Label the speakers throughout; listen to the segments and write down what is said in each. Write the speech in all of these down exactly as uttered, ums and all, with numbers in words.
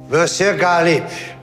Speaker 1: Monsieur Galip.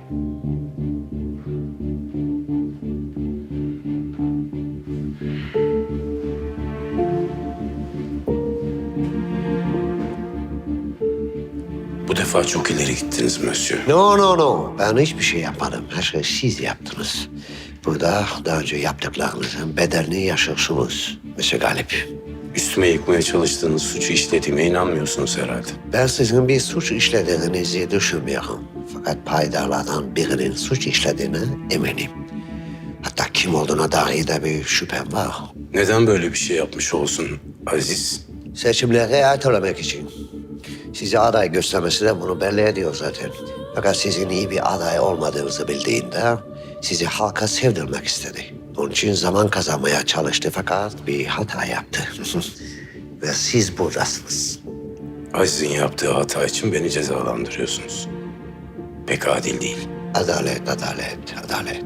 Speaker 2: Bu defa çok ileri gittiniz Monsieur.
Speaker 1: No, no, no. Ben hiçbir şey yapmadım. Her şeyi siz yaptınız. Burada daha önce yaptıklarınızın bedelini yaşıyorsunuz Monsieur Galip.
Speaker 2: Üstüme yıkmaya çalıştığınız suçu işlediğime inanmıyorsunuz herhalde.
Speaker 1: Ben sizin bir suç işlediğinizi düşünmüyorum. Fakat paydarlardan birinin suç işlediğine eminim. Hatta kim olduğuna dair de bir şüphem var.
Speaker 2: Neden böyle bir şey yapmış olsun Aziz?
Speaker 1: Seçimleri ertelemek için. Size aday göstermesi de bunu belli ediyor zaten. Fakat sizin iyi bir aday olmadığınızı bildiğinde sizi halka sevdirmek istedi. Onun için zaman kazanmaya çalıştı fakat bir hata yaptı. Ve siz buradasınız.
Speaker 2: Aziz'in yaptığı hata için beni cezalandırıyorsunuz. Pek adil değil.
Speaker 1: Adalet, adalet, adalet.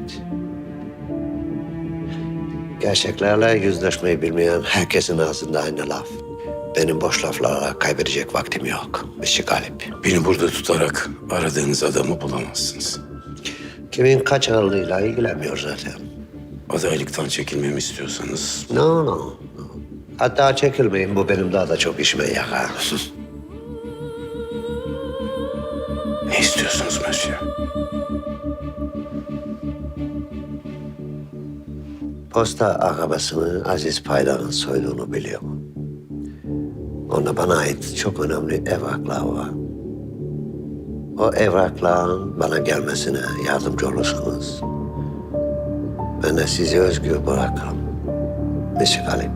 Speaker 1: Gerçeklerle yüzleşmeyi bilmeyen herkesin ağzında aynı laf. Benim boş laflara kaybedecek vaktim yok. Monsieur Galip.
Speaker 2: Beni burada tutarak aradığınız adamı bulamazsınız.
Speaker 1: Kimin kaç ağırlığıyla ilgilenmiyor zaten.
Speaker 2: Adaylıktan çekilmemi istiyorsanız
Speaker 1: No, no, no. Hatta çekilmeyin. Bu benim daha da çok işime yarar.
Speaker 2: ne istiyorsunuz Monsieur?
Speaker 1: Posta arabasını Aziz Paydar'ın soyduğunu biliyorum. Onda bana ait çok önemli evraklar var. O evrakların bana gelmesine yardımcı olursanız ben de sizi özgür bırakırım. Monsieur Galip.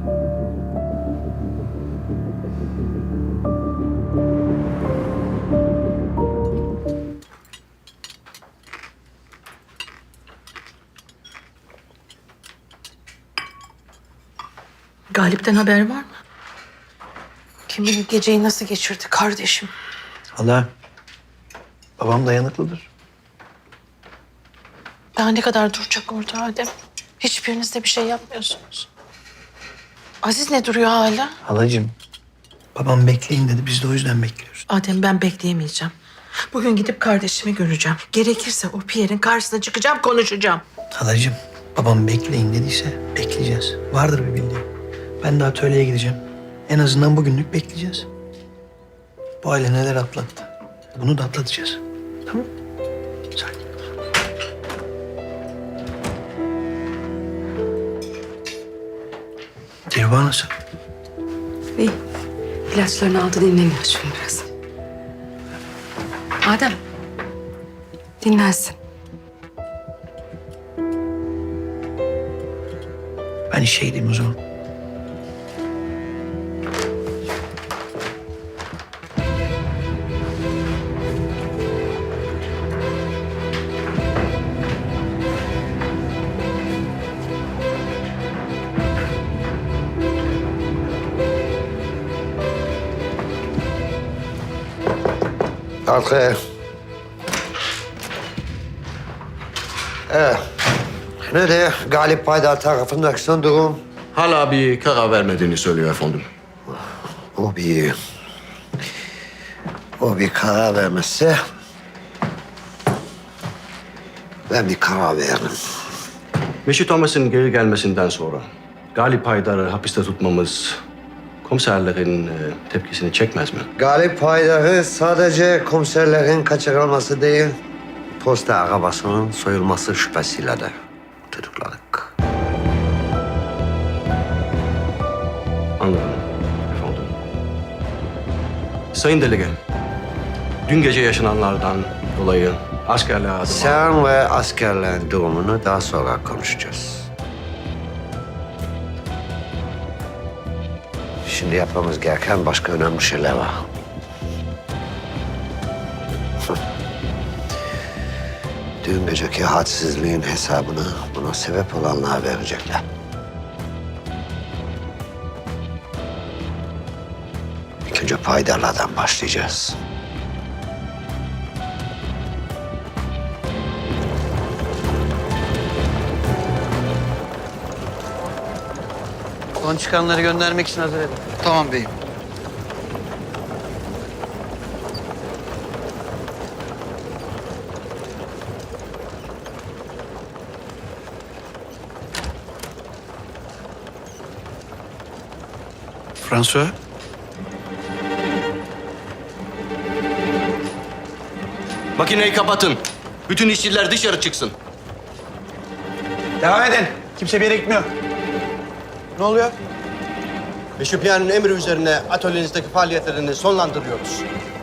Speaker 3: Galip'ten haber var mı?
Speaker 4: Kim bilir geceyi nasıl geçirdi kardeşim.
Speaker 5: Hala babam dayanıklıdır.
Speaker 4: Daha ne kadar duracak orada Adem? Hiçbiriniz de bir şey yapmıyorsunuz. Aziz ne duruyor hala?
Speaker 5: Halacığım, babam bekleyin dedi. Biz de o yüzden bekliyoruz.
Speaker 3: Adem ben bekleyemeyeceğim. Bugün gidip kardeşimi göreceğim. Gerekirse o Pierre'in karşısına çıkacağım, konuşacağım.
Speaker 5: Halacığım, babam bekleyin dediyse bekleyeceğiz. Vardır bir bildiğim. Ben de atölyeye gideceğim. En azından bugünlük bekleyeceğiz. Bu aile neler atlattı. Bunu da atlatacağız. Tamam? Sakin. Dilba nasıl?
Speaker 6: İyi. İlaçlarını aldı, dinleniyor şimdi biraz. Adem. Dinlensin.
Speaker 5: Ben işe gideyim o zaman.
Speaker 1: Kalk. Evet. Ne de Galip Paydar tarafındaki son durum?
Speaker 7: Hala bir karar vermediğini söylüyor efendim.
Speaker 1: O bir... O bir karar vermezse... Ben bir karar veririm.
Speaker 7: Mesut Thomas'ın geri gelmesinden sonra Galip Haydar'ı hapiste tutmamız komiserlerin e, tepkisini çekmez mi?
Speaker 1: Galip Paydar'ı sadece komiserlerin kaçırılması değil... Posta arabasının soyulması şüphesiyle de tutukladık.
Speaker 7: Anladım efendim. Sayın Delege, dün gece yaşananlardan dolayı askerler adıma...
Speaker 1: Sen ve askerlerin durumunu daha sonra konuşacağız. Şimdi yapmamız gereken başka önemli şeyler var. Dün geceki hadsizliğin hesabını buna sebep olanlara verecekler. İlk önce paydarlardan başlayacağız.
Speaker 5: Son çıkanları göndermek için hazır edin.
Speaker 8: Tamam beyim. François.
Speaker 7: Makineyi kapatın. Bütün işçiler dışarı çıksın.
Speaker 5: Devam edin. Kimse bir yere gitmiyor. Ne oluyor?
Speaker 7: Meşhupiyan'ın emri üzerine atölyenizdeki faaliyetlerini sonlandırıyoruz.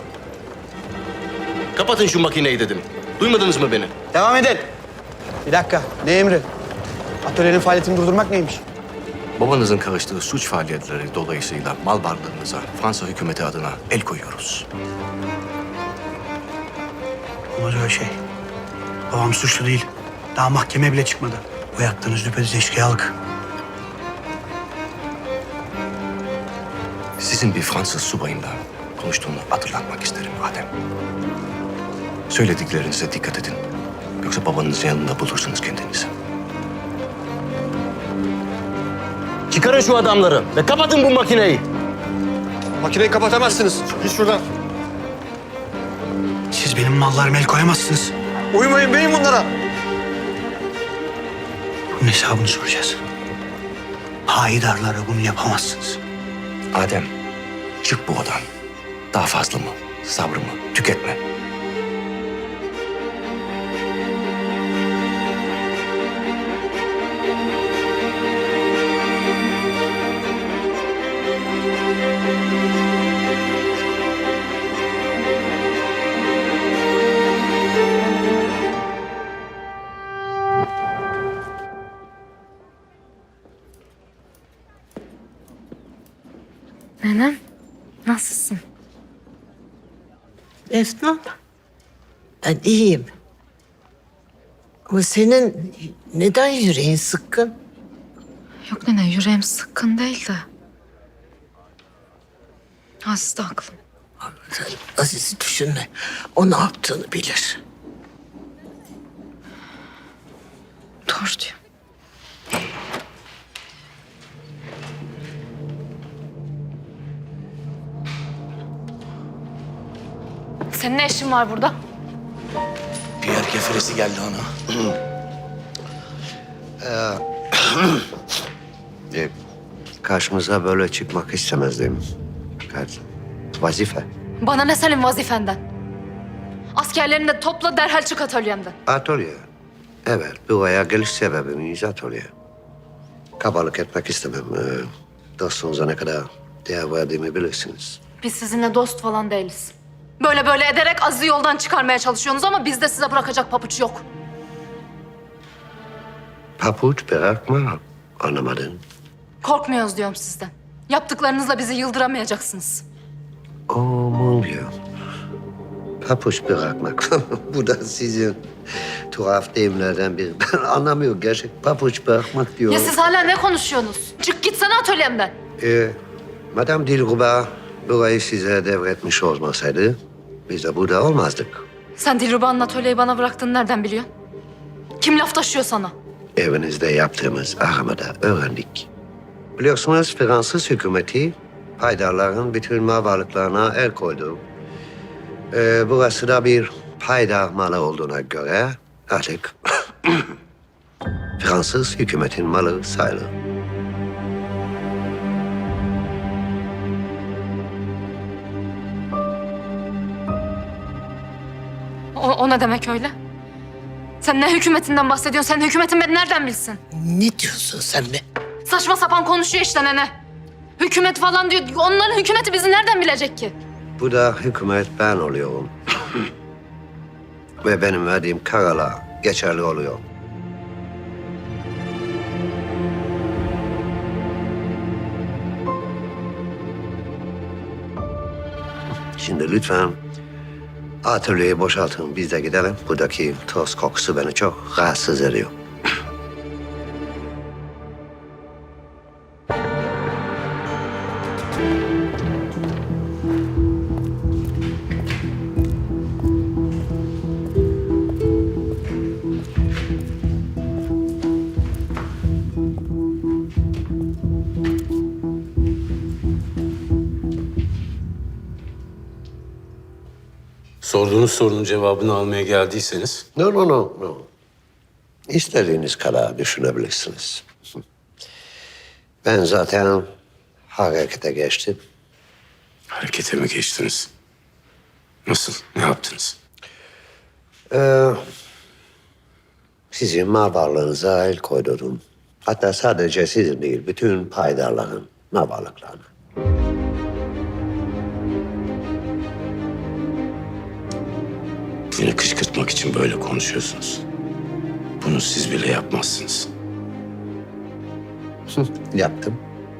Speaker 7: Kapatın şu makineyi dedim. Duymadınız mı beni?
Speaker 5: Devam edin. Bir dakika. Ne emri? Atölyenin faaliyetini durdurmak neymiş?
Speaker 7: Babanızın karıştığı suç faaliyetleri dolayısıyla mal varlığınıza Fransa hükümeti adına el koyuyoruz.
Speaker 8: Olmaz öyle şey. Babam suçlu değil. Daha mahkeme bile çıkmadı. Bu yaptığınız düpedüz eşkıyalık.
Speaker 7: Sizin bir Fransız subayımla konuştuğunu hatırlatmak isterim Adem. Söylediklerinize dikkat edin. Yoksa babanızın yanında bulursunuz kendinizi. Çıkarın şu adamları ve kapatın bu makineyi.
Speaker 9: Makineyi kapatamazsınız. Git şuradan.
Speaker 8: Siz benim mallarıma el koyamazsınız.
Speaker 9: Uymayın beyin bunlara.
Speaker 8: Bunun hesabını soracağız. Hayidarlara bunu yapamazsınız.
Speaker 7: Adem, çık bu odan. Daha fazla mı? Sabrımı tüketme.
Speaker 6: Nenem, nasılsın?
Speaker 3: Efnan, ben iyiyim. Ama senin neden yüreğin sıkkın?
Speaker 6: Yok nene, yüreğim sıkkın değil de. Aziz de haklı.
Speaker 3: Sen Aziz'i düşünme. O ne yaptığını bilir.
Speaker 6: Doğru diyor. Senin ne işin var burada?
Speaker 2: Pierre keferesi geldi ona.
Speaker 1: E, karşımıza böyle çıkmak istemezdim. Fakat vazife.
Speaker 6: Bana ne senin vazifenden? Askerlerini de topla derhal çık atölyemden.
Speaker 1: Atölye. Evet, buraya geliş sebebimiz atölye. Kabalık etmek istemem. Ee, dostunuza ne kadar değer verdiğimi bilirsiniz.
Speaker 6: Biz sizinle dost falan değiliz. Böyle böyle ederek Aziz'i yoldan çıkarmaya çalışıyorsunuz ama bizde size bırakacak papuç yok.
Speaker 1: Papuç bırakma. Anlamadın.
Speaker 6: Korkmuyoruz diyorum sizden. Yaptıklarınızla bizi yıldıramayacaksınız.
Speaker 1: Oh mon Dieu. Papuç bırakmak. Bu da sizin tuhaf deyimlerden biri. Ben anlamıyorum gerçek papuç bırakmak diyor.
Speaker 6: Ya siz hala ne konuşuyorsunuz? Çık gitsene atölyemden.
Speaker 1: Ee, Madame Dilruba burayı size devretmiş olmasaydı biz de burada olmazdık.
Speaker 6: Sen Dilruba'nın atölyeyi bana bıraktığını nereden biliyorsun? Kim laf taşıyor sana?
Speaker 1: Evinizde yaptığımız aramada öğrendik. Biliyorsunuz Fransız hükümeti paydarların bütün mal varlıklarına el koydu. Ee, burası da bir paydar malı olduğuna göre artık Fransız hükümetin malı sayılır.
Speaker 6: O, o ne demek öyle? Sen ne hükümetinden bahsediyorsun? Sen hükümetin beni nereden bilsin?
Speaker 3: Ne diyorsun sen be?
Speaker 6: Saçma sapan konuşuyor işte nene. Hükümet falan diyor. Onların hükümeti bizi nereden bilecek ki?
Speaker 1: Bu da hükümet ben oluyorum. Ve benim verdiğim kararlar geçerli oluyor. Şimdi lütfen atölyeyi boşaltın, biz de gidelim. Buradaki toz kokusu beni çok rahatsız ediyor.
Speaker 2: Sorduğunuz sorunun cevabını almaya geldiyseniz
Speaker 1: No, no, no, no. İstediğiniz kadar düşünebilirsiniz. Ben zaten harekete geçtim.
Speaker 2: Harekete mi geçtiniz? Nasıl? Ne yaptınız?
Speaker 1: Ee, sizin mal varlığınıza el koydurdum. Hatta sadece sizin değil, bütün paydarların mal varlıklarına.
Speaker 2: Beni kışkırtmak için böyle konuşuyorsunuz. Bunu siz bile yapmazsınız.
Speaker 1: Yaptım.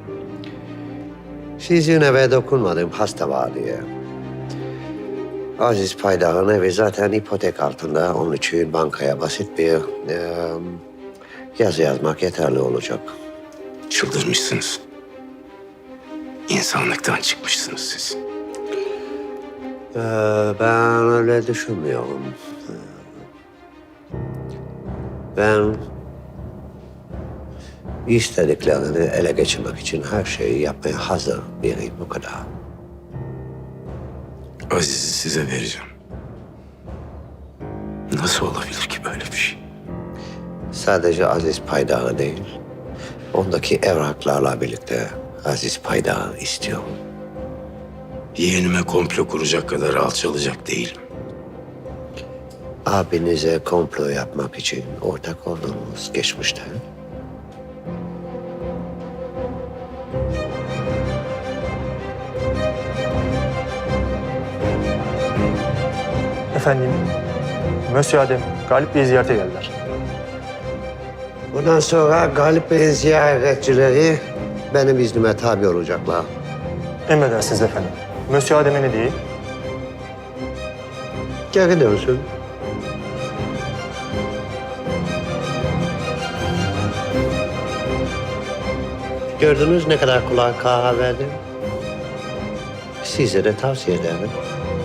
Speaker 1: Sizin eve dokunmadım hasta var diye. Aziz Paydar'ın evi zaten ipotek altında. Onun için bankaya basit bir e, yazı yazmak yeterli olacak.
Speaker 2: Çıldırmışsınız. İnsanlıktan çıkmışsınız siz.
Speaker 1: Ee, ben öyle düşünmüyorum. Ee, Ben istediklerini ele geçirmek için her şeyi yapmaya hazır biriyim, bu kadar.
Speaker 2: Aziz'i size vereceğim. Nasıl olabilir ki böyle bir şey?
Speaker 1: Sadece Aziz Paydar'ı değil, ondaki evraklarla birlikte Aziz Paydar'ı istiyorum.
Speaker 2: Yeğenime komplo kuracak kadar alçalacak değilim.
Speaker 1: Abinize komplo yapmak için ortak oldunuz geçmişte.
Speaker 10: Efendim, Mösyö Adem, Galip Bey'i ziyarete geldiler.
Speaker 1: Bundan sonra Galip Bey'in ziyaretçileri benim iznime tabi olacaklar.
Speaker 10: Emredersiniz efendim. Mösyö Adem'e ne diyeyim?
Speaker 1: Geri dönsün. Gördünüz ne kadar kolay karar verdim. Size de tavsiye ederim.